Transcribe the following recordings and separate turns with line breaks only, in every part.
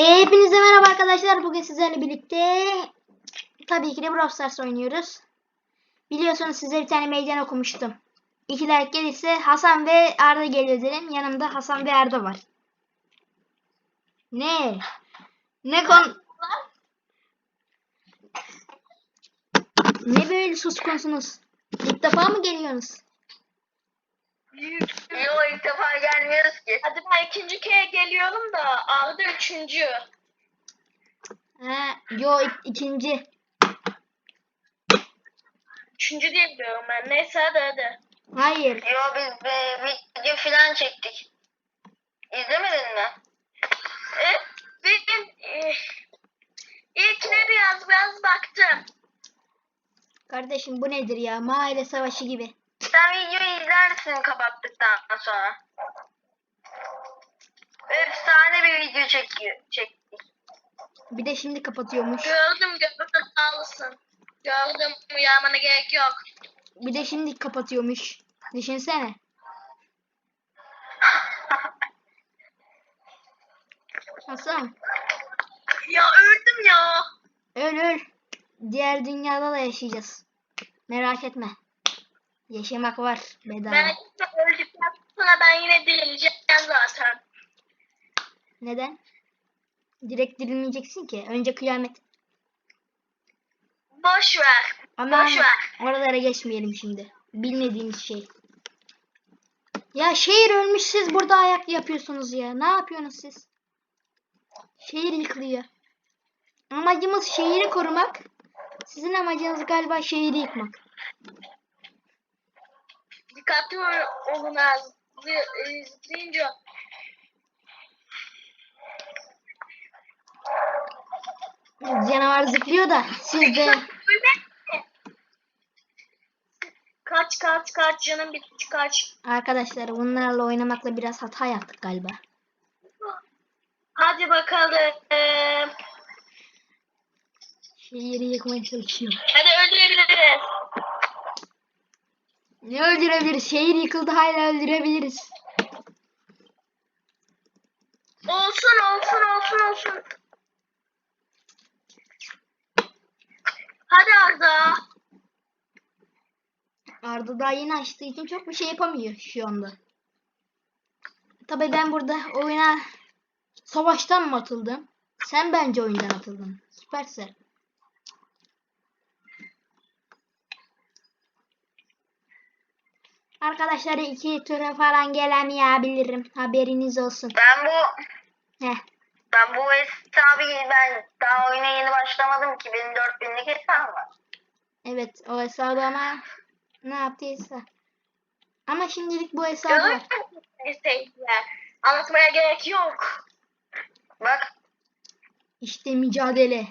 Hepinize merhaba arkadaşlar. Bugün sizlerle birlikte tabii ki de Brawl Stars oynuyoruz. Biliyorsunuz size bir tane meydan okumuştum. 2 like gelirse Hasan ve Arda geliyor dedim. Yanımda Hasan ve Arda var. Ne? Ne böyle suskunsunuz? İlk defa mı geliyorsunuz?
Yo, ilk defa gelmiyoruz ki. Hadi ben ikinci kere geliyorum da Arda üçüncü.
Yo ikinci.
Üçüncü diye biliyorum ben. Neyse hadi.
Hayır.
Yo, biz bir video falan çektik. İzlemedin mi? Ben ilkine biraz baktım.
Kardeşim bu nedir ya? Mahalle savaşı gibi.
Sen videoyu izlersin kapattıktan sonra. Efsane bir video çektik.
Bir de şimdi kapatıyormuş.
Gördüm sağ olasın. Gördüm, uyarmana gerek yok.
Bir de şimdi kapatıyormuş. Düşünsene. Hasan.
Ya öldüm ya.
Öl. Diğer dünyada da yaşayacağız. Merak etme. Yaşamak var bedava.
Ben öldükten sonra ben yine dirileceğim zaten.
Neden? Direkt dirilmeyeceksin ki. Önce kıyamet.
Boş ver.
Ama
Boş ver.
oralara geçmeyelim şimdi. Bilmediğimiz şey. Ya şehir ölmüş, siz burada ayak yapıyorsunuz ya. Ne yapıyorsunuz siz? Şehir yıkılıyor. Amacımız şehri korumak. Sizin amacınız galiba şehri yıkmak.
Dikkatli olun az. Zıplayınca.
Canavar zıplıyor da siz de...
Kaç canım bitti, kaç.
Arkadaşlar bunlarla oynamakla biraz hata yaptık galiba.
Hadi bakalım.
Şehri yıkmaya çalışıyor.
Hadi öldürebiliriz.
Ne öldürebiliriz? Şehir yıkıldı, hala öldürebiliriz.
Olsun. Hadi Arda.
Arda daha yeni açtığı için çok bir şey yapamıyor şu anda. Tabii ben burada oyuna savaştan mı atıldım? Sen bence oyundan atıldın. Süpersin. Arkadaşlar 2 tura falan gelemeyebilirim. Haberiniz olsun.
Ben bu hesabı ben daha oyuna yeni başlamadım ki. Benim 4000'lik hesabım var.
Evet, o hesabı ama ne yaptıysa. Ama şimdilik bu hesabı var.
Anlatmaya gerek yok. Bak.
İşte mücadele.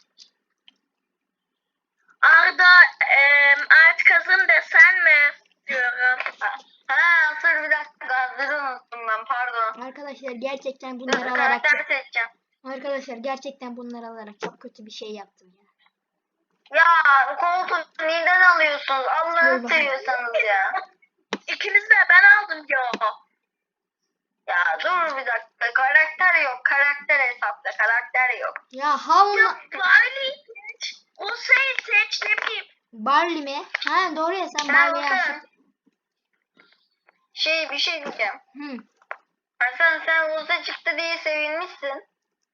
Arda art kazın desen mi diyorum. Dur bir dakika, hazır unuttum ben, pardon.
Arkadaşlar gerçekten bunları alarak
Karakter seçeceğim.
Arkadaşlar gerçekten bunları alarak çok kötü bir şey yaptım ya.
Ya koltuğu neden alıyorsunuz? Allah'ını
Dur
seviyorsanız ya. İkiniz de ben aldım ya. Ya dur bir dakika, karakter yok. Karakter hesapta karakter yok.
Ya havma...
Barley seç. O seç ne bileyim.
Barley mi? Ha doğru ya, sen Barley'i alsın.
Bir şey diyeceğim.
Hı.
Hasan, sen Uza çıktı diye sevinmişsin.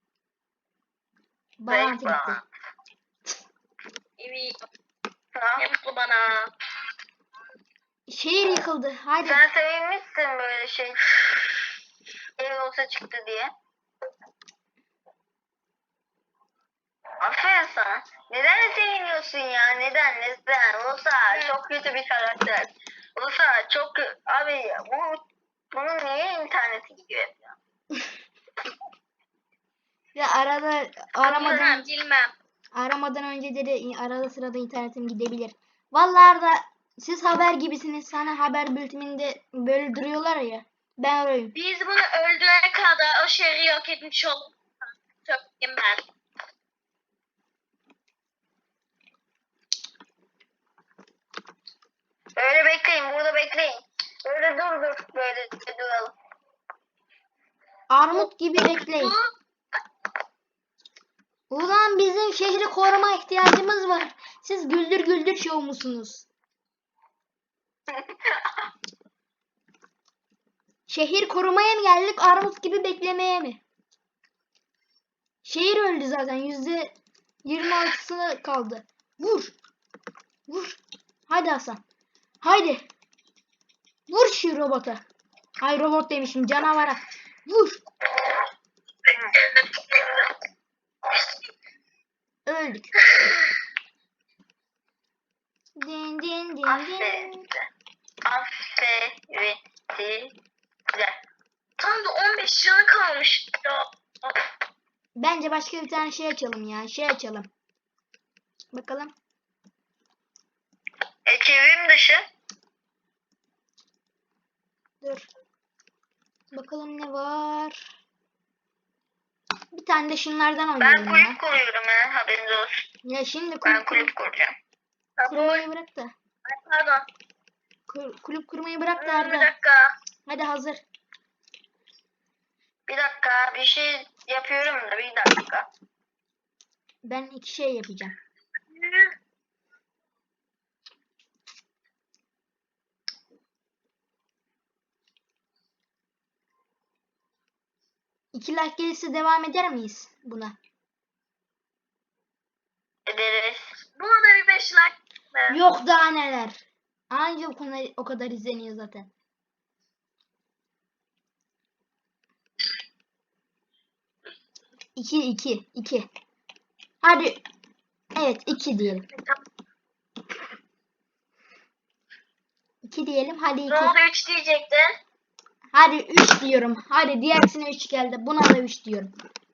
Bağlantı gitti.
Evet. Ne mutlu bana.
Şehir yıkıldı. Hadi.
Sen sevinmişsin böyle şey. Ev olsa çıktı diye. Aferin sana. Neden seviniyorsun ya? Neden? Olsa çok kötü bir karakter. Olsa çok abi bunun niye interneti gidiyor hep ya?
Ya
Bilmem.
aramadan önce de arada sırada internetim gidebilir. Vallahi da siz haber gibisiniz. Sana haber bülteninde böyle duruyorlar ya. Ben arayayım.
Biz bunu öldürene kadar o şehri yok etmiş olduk. Söyleyeyim ben. Öyle bekleyin, burada bekleyin. Böyle dur, böyle duralım.
Armut gibi bekleyin. Ulan bizim şehri koruma ihtiyacımız var. Siz güldür güldür şov musunuz? Şehir korumaya mı geldik, armut gibi beklemeye mi? Şehir öldü zaten. %26'sı kaldı. Vur. Vur. Hadi Hasan. Haydi. Vur şu robota. Ay robot demişim, canavara. Vur. Öldük. Din din din
Aferin
din.
size. Aferin size. Tam da 15 canı kalmış.
Bence başka bir tane şey açalım ya. Şey açalım. Bakalım.
Çevrim dışı.
Dur. Bakalım ne var. Bir tane de şunlardan
Ben
oynayalım ya.
kulüp kuruyorum ha, haberiniz olsun.
Ya şimdi
Ben kulüp kuracağım.
kurmayı bırak da.
Pardon.
Kulüp kurmayı bırak da
Bir
Arda.
dakika.
Hadi hazır.
Bir dakika. Bir şey yapıyorum da bir dakika.
Ben iki şey yapacağım. İki like gelirse devam eder miyiz buna?
Ederiz. Buna da bir 5 like.
Yok daha neler. Anca o kadar izleniyor zaten. İki. Hadi. Evet 2 diyelim. 2 diyelim. Hadi 2.
Ne oldu 3 diyecektin?
Hadi 3 diyorum. Hadi diğersine 3 geldi. Buna da 3 diyorum.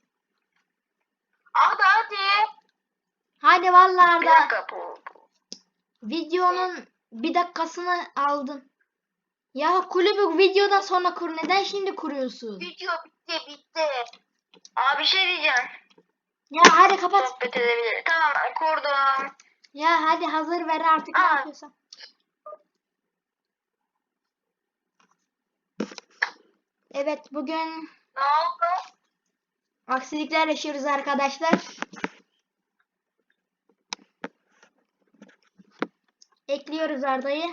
Hadi.
Hadi vallahi
Bir
Arda.
dakika bu.
Videonun bir dakikasını aldın. Ya kulübü videodan sonra kur. Neden şimdi kuruyorsun?
Video bitti. Abi bir şey diyeceğim.
Ya hadi kapat.
Sohbet edebiliriz. Tamam kurdum.
Ya hadi hazır ver artık ne
Aa.
yapıyorsan. Evet bugün
Ne oldu?
aksilikler yaşıyoruz arkadaşlar. Ekliyoruz Arda'yı.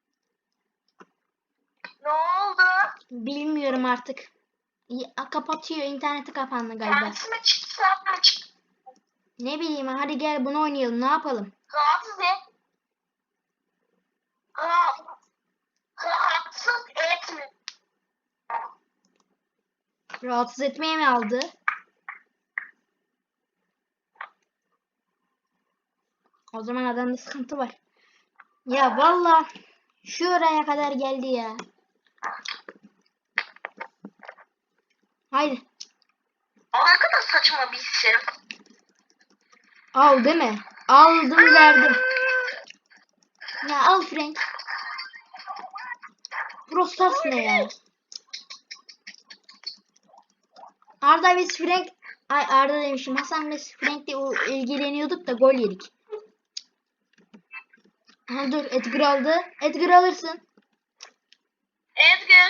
Ne oldu?
Bilmiyorum artık. Kapatıyor. İnterneti kapandı galiba.
Kendisine çıksam çık.
Ne bileyim hadi gel bunu oynayalım. Ne yapalım?
Rahatsız et. Rahatsız etme.
Rahatsız etmeye mi aldı? O zaman adamda sıkıntı var. Ya valla şuraya kadar geldi ya. Haydi.
Ne kadar saçma bir şey.
Al değil mi? Aldım verdim. Ya al Frank. Prostas ne ya? Arda biz Frank... Ay Arda demişim. Hasan biz Frank'le ilgileniyorduk da gol yedik. Ha, dur Edgar aldı. Edgar alırsın.
Edgar.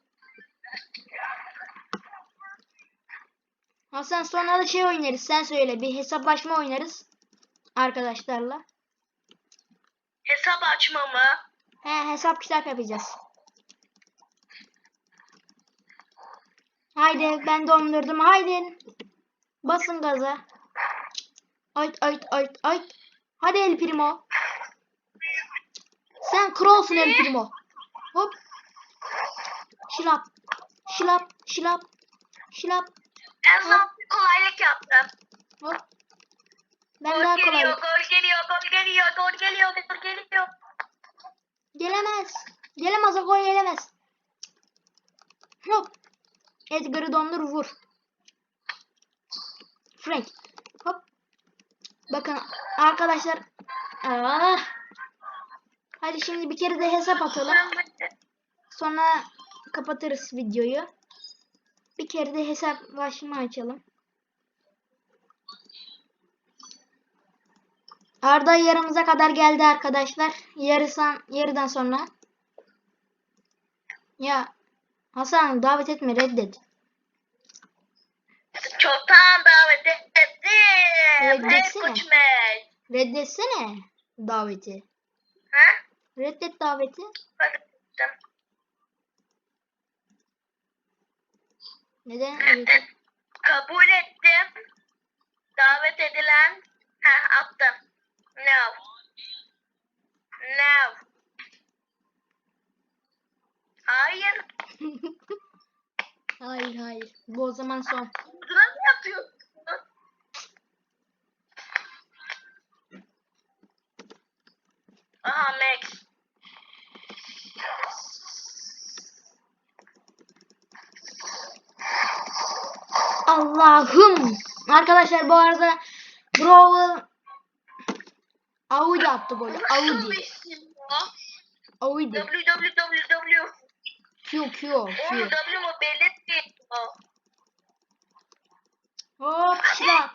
Hasan sonra da şey oynarız. Sen söyle. Bir hesaplaşma oynarız. Arkadaşlarla.
Hesap açma mı?
He hesap kitap yapacağız. Haydi ben dondurdum. Haydi. Basın gaza. Ay. Hadi El Primo. Sen kralsın El Primo. Hop. Şılap.
En son bir kolaylık yaptım.
Hop. Ben
Gol
daha
geliyor,
kolay.
gol geliyor.
Gelemez. Gelemez o gol gelemez. Hop. Edgar'ı dondur vur. Frank. Hop. Bakın arkadaşlar. Hadi şimdi bir kere de hesap atalım. Sonra kapatırız videoyu. Bir kere de hesaplaşma açalım. Arda yarımıza kadar geldi arkadaşlar. Yarıdan sonra. Ya Hasan davet etme reddet.
Çoktan davet ettim. Benim.
Reddetsene.
Hey Koçmen.
Reddetsene daveti.
Ha?
Reddet daveti.
Hadi.
Neden?
Reddet. Kabul ettim. Davet edilen. Ha, attım. No. No. Hayır.
Hayır hayır. Bu o zaman son.
Nasıl yapıyorsun? Aha Max.
Allah'ım. Arkadaşlar bu arada Brawl Audi attı golü.
Nasıl
Audi.
bir isim ya?
Audi.
www.
Q.
Oğlum W mu belirtmiyor.
Hop şila.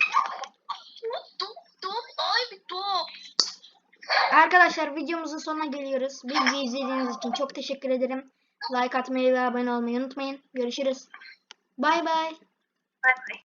Top. Ay bir top.
Arkadaşlar videomuzun sonuna geliyoruz. Bizi izlediğiniz için çok teşekkür ederim. Like atmayı ve abone olmayı unutmayın. Görüşürüz. Bay bay.
Bye.